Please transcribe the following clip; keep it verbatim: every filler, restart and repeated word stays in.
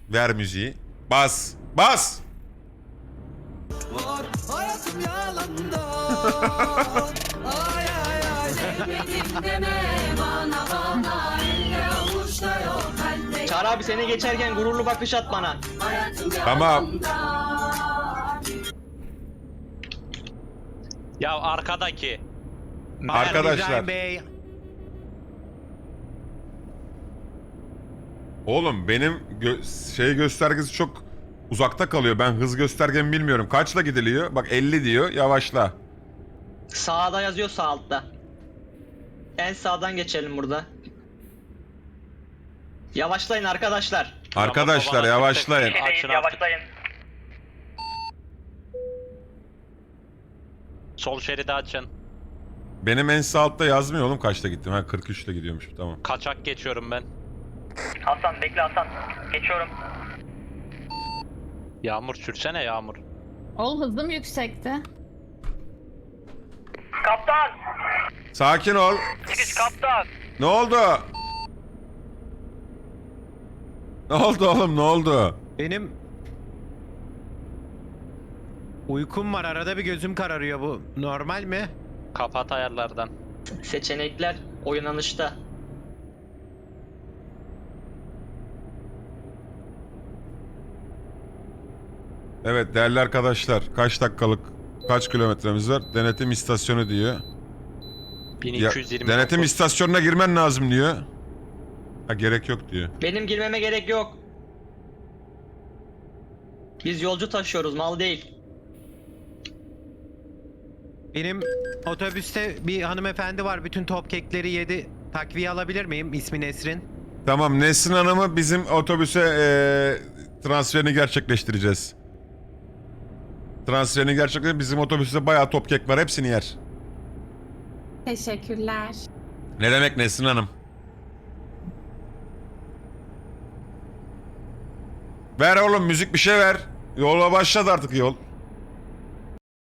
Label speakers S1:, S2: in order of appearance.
S1: Ver müziği. Bas. Bas.
S2: Var hayatım yalanda. Ay ay ay.
S3: Sevmedim deme bana bana, elde avuçta yok bende.
S4: Çağrı abi seni geçerken gururlu bakış at bana.
S3: Hayatım
S1: Tamam.
S3: yalanda.
S5: Ya arkadaki.
S1: Arkadaşlar.
S6: İbrahim Bey.
S1: Oğlum benim gö şey göstergesi çok uzakta kalıyor. Ben hız göstergemi bilmiyorum. Kaçla gidiliyor? Bak elli diyor. Yavaşla.
S4: Sağda yazıyor, sağ altta. En sağdan geçelim burada. Yavaşlayın arkadaşlar.
S1: Arkadaşlar yavaşlayın.
S5: Açın yavaşlayın. Sol şeridi açın.
S1: Benim en sağ altta yazmıyor oğlum kaçta gittim. Ha kırk üçle gidiyormuş. Tamam.
S5: Kaçak geçiyorum ben.
S4: Hasan bekle Hasan. Geçiyorum.
S5: Yağmur sürsene Yağmur.
S7: Oğlum hızım yüksekti.
S4: Kaptan!
S1: Sakin ol.
S4: Çıkış kaptan!
S1: Ne oldu? Ne oldu oğlum ne oldu?
S6: Benim uykum var. Arada bir gözüm kararıyor. Bu normal mi?
S5: Kapat ayarlardan.
S4: Seçenekler oynanışta.
S1: Evet değerli arkadaşlar. Kaç dakikalık kaç kilometremiz var? Denetim istasyonu diyor. Ya,
S5: bin iki yüz yirmi.
S1: denetim istasyonuna girmen lazım diyor. Ha gerek yok diyor.
S4: Benim girmeme gerek yok. Biz yolcu taşıyoruz, mal değil.
S6: Benim otobüste bir hanımefendi var. Bütün top kekleri yedi. Takviye alabilir miyim? İsmi Nesrin.
S1: Tamam Nesrin Hanım'ı bizim otobüse eee, transferini gerçekleştireceğiz. Transferini gerçekleştireceğiz. Bizim otobüste bayağı top kek var. Hepsini yer.
S7: Teşekkürler.
S1: Ne demek Nesrin Hanım? Ver oğlum müzik bir şey ver. Yola başladı artık yol.